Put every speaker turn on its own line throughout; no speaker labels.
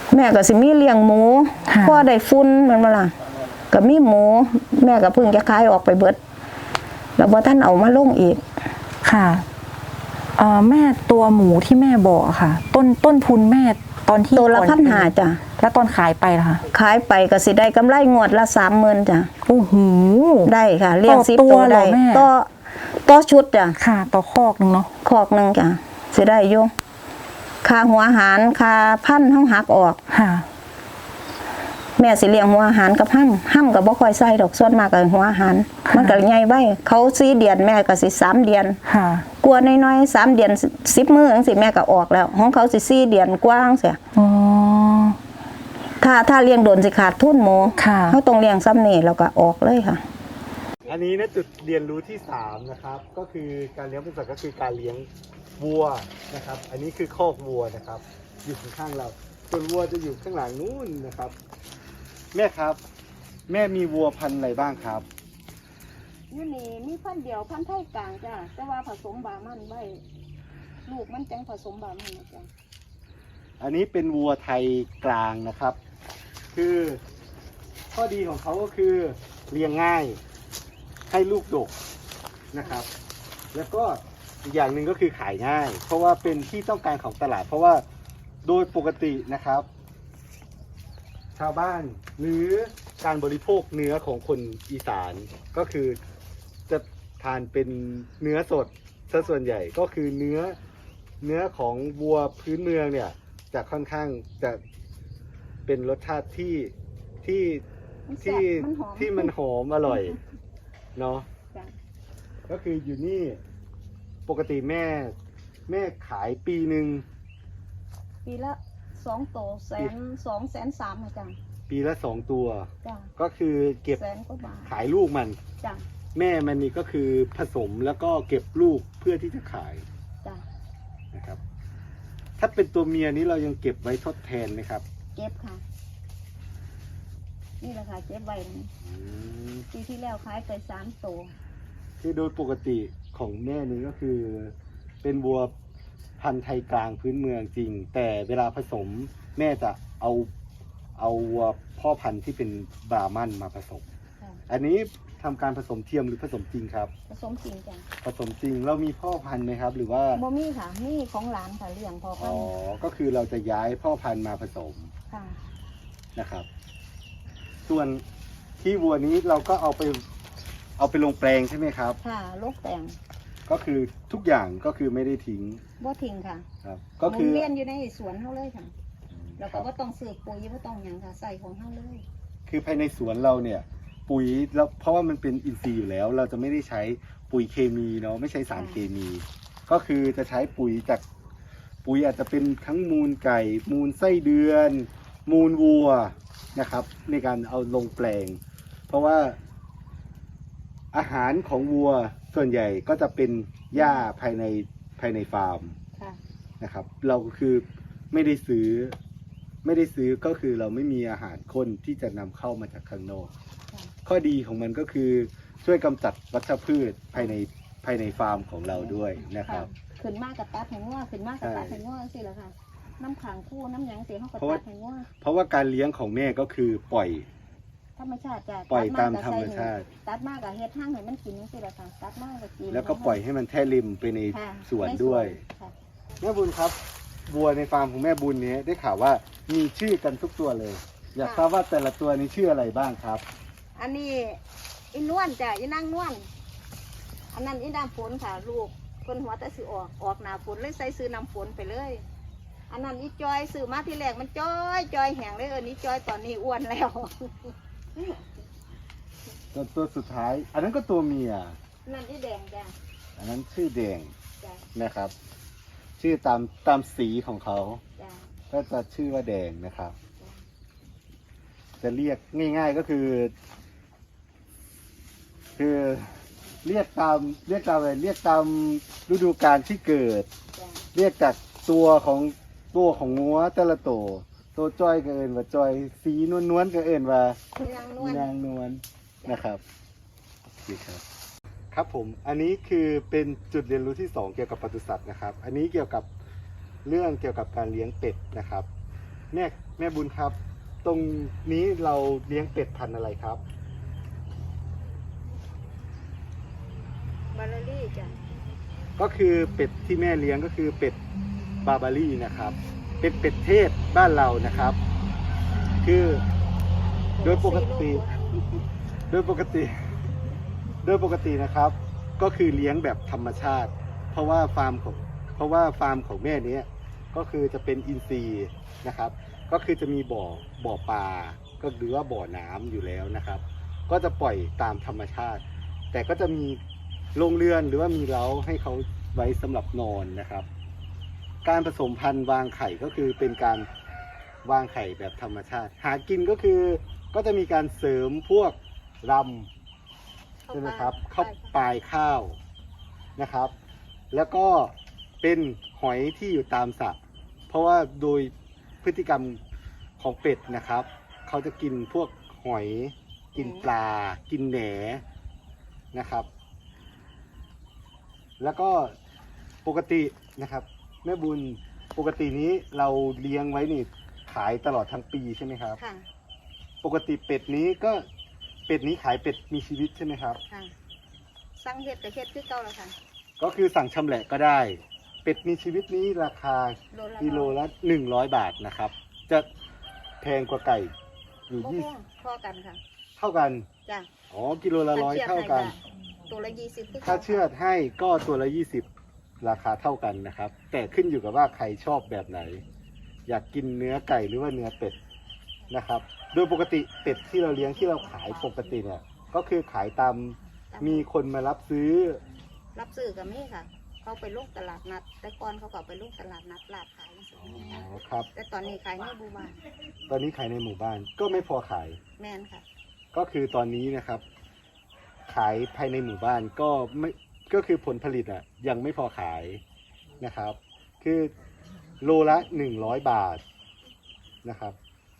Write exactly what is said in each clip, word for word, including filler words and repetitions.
แม่ก็สิมีเลี้ยงหมูพ่อได้ฟุ้นมันมาล่ะก็มีหมูแม่ก็เพิ่งจะขายออกไปเบิดแล้วบ่ท่านเอามาลงอีก
ค่ะเอ่อแม่ตัวหมูที่แม่บอกค่ะต้นต้นทุนแม่ตอนที่
ตัวละพันห้าจ้ะ
แล้วตอนขายไปล่ะคะ
ขายไปก็สิได้กำไรงวดละสามหมื่นจ้ะ
โอ้โห
ได้ค่ะเลี้ยงสิบตัวได้ต่อต่อชุดจ้ะ
ค่ะต่อคอกนึงเนาะ
คอกนึงจ้ะสิได้อยู่ค่าหัวอาหารค่าพันธุ์เฮาหักออก
ค่ะ
แม่สิเลี้ยงหัวอาหารกับห้ำห้ำกับบ่ค่อยใส่ดอกส่วนมากกับหัวอาหารมันก็ใหญ่ไว้เขาสี่เดือนแม่ก็สิสามเดือน
ค่ะ
กลัวน้อยๆสามเดือนสิบมื้อจังซี่แม่ก็ออกแล้วของเขาสิสี่เดือนกว้างเสีย
อ๋อ
ถ้าถ้าเลี้ยงโดนสิขาดทุนหมู
ค่ะ
เขาต้องเลี้ยงซ้ำนี่แล้วก็ออกเลยค่ะ
อันนี้นะจุดเรียนรู้ที่สามนะครับก็คือการเลี้ยงปศุสัตว์ก็คือการเลี้ยงวัวนะครับอันนี้คือคอกวัวนะครับอยู่ข้างๆเราส่วนวัวจะอยู่ข้างหลังนู้นนะครับแม่ครับแม่มีวัวพันธุ์อะไรบ้างครับ
อยู่นี่มีพันธุ์เดียวพันธุ์ไทยกลางจ้ะแต่ว่าผสมบามันไว้ลูกมันจังผสมบามันนะจ้ะ
อันนี้เป็นวัวไทยกลางนะครับคือข้อดีของเขาก็คือเลี้ยงง่ายให้ลูกดกนะครับแล้วก็อีกอย่างหนึ่งก็คือขายง่ายเพราะว่าเป็นที่ต้องการของตลาดเพราะว่าโดยปกตินะครับชาวบ้านหรือการบริโภคเนื้อของคนอีสานก็คือจะทานเป็นเนื้อสดซะส่วนใหญ่ก็คือเนื้อเนื้อของวัวพื้นเมืองเนี่ยจะค่อนข้างจะเป็นรสชาติที่ที่ที่ที่มันหอมอร่อยเนาะก็คืออยู่นี่ปกติแม่แม่ขายปีหนึ่ง
ปีละสองตัวแสนสองแสนสามนะจ๊ะ
ปีละสองตัวก็คือเก็บขายลูกมัน
จ้ะ
แม่มันนี่ก็คือผสมแล้วก็เก็บลูกเพื่อที่จะขาย
จ้ะ
นะครับถ้าเป็นตัวเมียนี้เรายังเก็บไว้ทดแทนไหมครับ
เก็บค่ะนี่แหละค่ะเก็บไว้ปีที่แล้วขายไปสามตัว
คือโดยปกติของแม่นี้ก็คือเป็นวัวพันธุ์ไทยกลางพื้นเมืองจริงแต่เวลาผสมแม่จะเอาเอาวัวพ่อพันธุ์ที่เป็นบราหมันมาผสมอันนี้ทำการผสมเทียมหรือผสมจริงครับ
ผสมจริงจ้ะ
ผสมจริงเรามีพ่อพันธุ์ไหมครับหรือว่า
โมมี่ค่ะนี่ของหลานค่ะเลี้ยงพ่อพันธุ์
อ๋อก็คือเราจะย้ายพ่อพันธุ์มาผสม
ค่ะ
นะครับส่วนที่วัวนี้เราก็เอาไปเอาไปลงแปลงใช่ไหมครับ
ค่ะลงแปลง
ก็คือทุกอย่างก็คือไม่ได้ทิ้ง
บ่ทิ้งค่ะ
ครับก็คือ
เลี้ยงอยู่ในสวนเขาเลยค่ะแล้วก็บ่ต้องซื้อปุ๋ยบ่ต้องหยังค่ะใส่ของเขาเลย
คือภายในสวนเราเนี่ยปุ๋ยแล้วเพราะว่ามันเป็นอินทรีย์อยู่แล้วเราจะไม่ได้ใช้ปุ๋ยเคมีเนาะไม่ใช้สารเคมี ก็คือจะใช้ปุ๋ยจากปุ๋ยอาจจะเป็นทั้งมูลไก่มูลไส้เดือนมูลวัวนะครับในการเอาลงแปลงเพราะว่าอาหารของวัวส่วนใหญ่ก็จะเป็นหญ้าภายในภายในฟาร์มนะครับเราก็คือไม่ได้ซื้อไม่ได้ซื้อก็คือเราไม่มีอาหารคนที่จะนำเข้ามาจากข้างนอกข้อดีของมันก็คือช่วยกำจัดวัชพืชภายในภายในฟาร์มของเราด้วยนะครับ
ขึ้นมากกับตัดแหงว่าขึ้นมากกับตัดแหงว่าสิละค่ะน้ำขังคู่น้ำหยังเสียเขากับตัดแหงว่า
เพราะว่าการเลี้ยงของแม่ก็คือปล่อย
ธรรมชาติจ้ะ
ปล่อยตามธรรมชาติ
ตัดมากกับเฮ็ดห้างให้มันกินนี่สิละค่ะตัดมากกับกิน
แล้วก็ปล่อยให้มันแท้ริมไปในสวนด้วยแม่บุญครับวัวในฟาร์มของแม่บุญนี้ได้ข่าวว่ามีชื่อกันทุกตัวเลยอยากทราบว่าแต่ละตัวนี้ชื่ออะไรบ้างครับ
อันนี้อีนวลจ้ะอีนางนวลอันนั้นอีน้ำฝนค่ะลูกคนหัวแต่สิออกออกหนาฝนเลยใส่ซื้อน้ำฝนไปเลยอันนั้นอีจอยซื้อมาที่แรกมันจอยจอยแห้งเลยเออนี่จอยตอนนี้อ้วนแล้ว
ตัวตัวสุดท้ายอันนั้นก็ตัวเมีย
นั่นอีแดงจ้ะ
อันนั้นชื่อแดงนะครับชื่อตามตามสีของเขาก็จะชื่อว่าแดงนะครับจะเรียกง่ายๆก็คือคือเรียกตามเรียกตามอะไรเรียกตามฤดูกาลที่เกิดเรียกจากตัวของตัวของงัวแต่ละตัวตัวจ้อยก็เอิ้นว่าจ้อยสีนวลๆก็เอิ้นว่านางนวลนะครับโอเคครับครับผมอันนี้คือเป็นจุดเรียนรู้ที่สองเกี่ยวกับปศุสัตว์นะครับอันนี้เกี่ยวกับเรื่องเกี่ยวกับการเลี้ยงเป็ดนะครับแม่แม่บุญครับ ตรงนี้เราเลี้ยงเป็ดพันธุ์อะไรครับ
บาลารี่จ้ะ
ก็คือเป็ดที่แม่เลี้ยงก็คือเป็ดบาบารี่นะครับ เป็นเป็ดเทศบ้านเรานะครับ คือโดยปกติ โดยปกติ โดยปกตินะครับ ก็คือเลี้ยงแบบธรรมชาติ เพราะว่าฟาร์มของเพราะว่าฟาร์มของแม่เนี้ยก็คือจะเป็นอินทรีย์นะครับ ก็คือจะมีบ่อบ่อปลาก็หรือว่าบ่อน้ำอยู่แล้วนะครับ ก็จะปล่อยตามธรรมชาติ แต่ก็จะมีโรงเรือนหรือว่ามีเล้าให้เขาไว้สำหรับนอนนะครับ การผสมพันธุ์วางไข่ก็คือเป็นการวางไข่แบบธรรมชาติ หากินก็คือก็จะมีการเสริมพวกรำใช่ไหมครับข้าวปลายข้าวนะครับ แล้วก็เป็นหอยที่อยู่ตามสระเพราะว่าโดยพฤติกรรมของเป็ดนะครับ เขาจะกินพวกหอย กินปลา กินแหนนะครับ แล้วก็ปกตินะครับแม่บุญปกตินี้เราเลี้ยงไว้นี่ขายตลอดทั้งปีใช่ไหมครับ
ค่ะ
ปกติเป็ดนี้ก็เป็ดนี้ขายเป็ดมีชีวิตใช่ไหมครับ
ค่ะสั่งเห็ดกับเห็ดคือเก่าแล้วค่ะ
ก็คือสั่งชำแหละก็ได้ เป็ดมีชีวิตนี้ราคา
โลละ
กิโลละหนึ่งร้อยบาทนะครับ จะแพงกว่าไก่อยู่
บ่
ยี่
แพงพอกันค่ะ
เท่ากัน
จ้ะ
อ๋อกิโลละร้อยเท่ากัน
ตัวละยี่สิบคือ
ถ้า
เก่า
เชือดให้ก็ตัวละยี่สิบราคาเท่ากันนะครับ แต่ขึ้นอยู่กับว่าใครชอบแบบไหน อยากกินเนื้อไก่หรือว่าเนื้อเป็ดนะครับ โดยปกติเป็ดที่เราเลี้ยงที่เราขายปกติเนี่ยก็คือขายตามมีคนมารับซื้อ
รับซื้อกับมี่ค่ะ เขาไปลูกตลาดนัด แต่ก่อนเขาก็ไปลูกตลาดนัดลาดขายจังซี่
อ๋อครับ
แต่ตอนนี้ขายในหมู่บ้าน
ตอนนี้ขายในหมู่บ้านก็ไม่พอขาย
แม่นค่ะ
ก็คือตอนนี้นะครับ ขายภายในหมู่บ้านก็ไม่ก็คือผลผลิตอ่ะยังไม่พอขายนะครับ คือโลละหนึ่งร้อยบาทนะครับ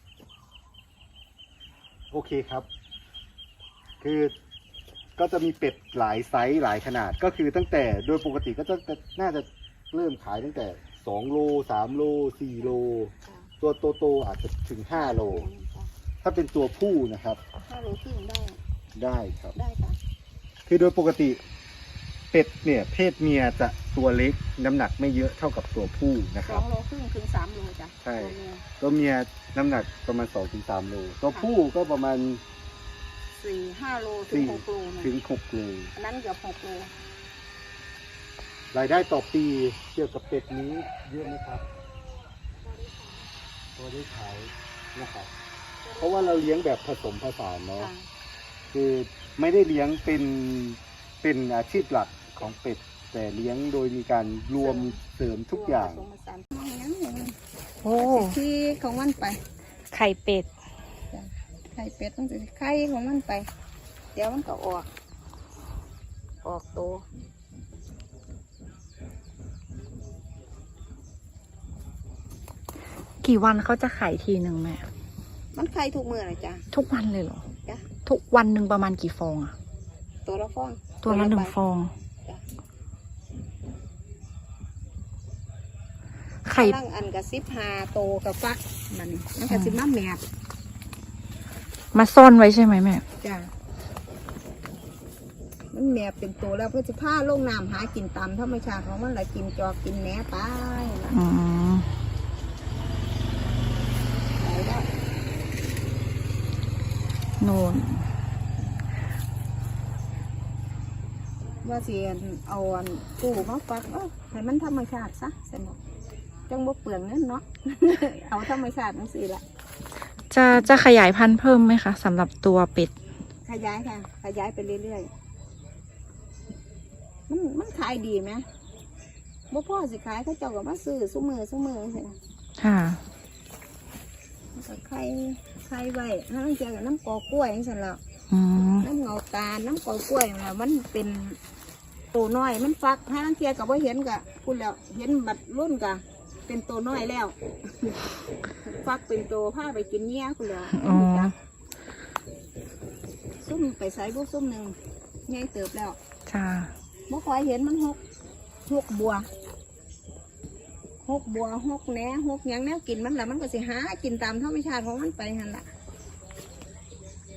โอเคครับ คือก็จะมีเป็ดหลายไซส์หลายขนาดก็คือตั้งแต่โดยปกติก็จะน่าจะเริ่มขายตั้งแต่สองโลสามโลสี่โล
ค่ะ
ตัวโตๆอาจจะถึงห้าโล ถ้าเป็นตัวผู้นะครับ
ถ้าโลครึ่งได้
ได้ครับ
ได้ค่ะ
คือโดยปกติเป็ดเนี่ยเพศเมียจะตัวเล็กน้ำหนักไม่เยอะเท่ากับตัวผู้นะค
ส
รั
อบ งโลครึ่งถึงสามโลจ้ะ
ใช่
ตัวเมีย
ตัวเมียน้ำหนักประมาณสองถึงสามโลตัวผู้ก็ประมาณ
สี่ห้าโลถึง
สี่
หกโลนะ
ถึงหกโล
อันนั้นเกือบหกโล
รายได้ต่อปีเกี่ยวกับเป็ดนี้เยอะไหมครับพอได้ขายนะครับ เพราะว่าเราเลี้ยงแบบผสมผสานเนาะ
ค่ะ
คือไม่ได้เลี้ยงเป็นเป็นอาชีพหลักของเป็ด แต่เลี้ยงโดยมีการรวมเสริมทุกอย่าง
ผสมผสานมองยังไง
โอ้
ที่ของมันไป
ไข่เป็ด
จ้ะไข่เป็ดต้องสิไข่ของมันไป เดี๋ยวมันก็ออก ออกโต
กี่วันเขาจะไข่ทีหนึ่งแม่
มันไข่ทุกมื้อเลยจ้ะ
ทุกวันเลยเหรอ
จ้ะ
ทุกวันหนึ่งประมาณกี่ฟองอะ
ตัวละฟอง
ตัวละหนึ่ง
ใบ
ฟอง
จ้ะ
ไข่
กำลังอันกับซิบหาโตกับฟักมันมันกับซิบมาแมบ
มาซ่อนไว้ใช่ไหมแม่
จ้ะมันแมบเป็นตัวแล้วเพื่อจะผ้าลงน้ำหากินตามธรรมชาติของมันแหละกินจอกกินแหนไปล่ะ
อืม
ไปแล้ว
นูน
ว่าสิเอาอันตู้มาฟักเอ้าให้มันธรรมชาติซะสนุกจังบ่เปลืองเงินเนาะ เอาธรรมชาตินั่นสิละ
จะจะขยายพันธุ์เพิ่มไหมคะสำหรับตัวเป็ด
ขยายค่ะ ขยายไปเรื่อยๆ มันมันขายดีไหมบ่พ่อสิขายเขาเจ้าก็มาซื้อซุมือซุมือใช่ไหม
ค่ะ
มันก็ไข่ไข่ไว้ถ้าต้องเจอกับน้ำกอกล้วยนี่สิละ
อืม
น้ำเงาตาลน้ำกอกล้วยน่ะมันเป็นตัวน้อยมันฟักถ้าต้องเจอกับว่าเห็นกะคุณแล้วเห็นบัดรุ่นกะเป็นตัวน้อยแล้ว ฟักเป็นตัวผ้าไปกินเงี้ยคุณแล้ว
อ๋อ
ซุ่มไปใส่บุกซุ่มหนึ่งใหญ่เติบแล้ว
จ้า
บ่คอยเห็นมันหกหกบัว หหกบัวหกแหนหกหยังแนวกินมันละมันก็สิหากินตามธรรมชาติของมันไปหันละ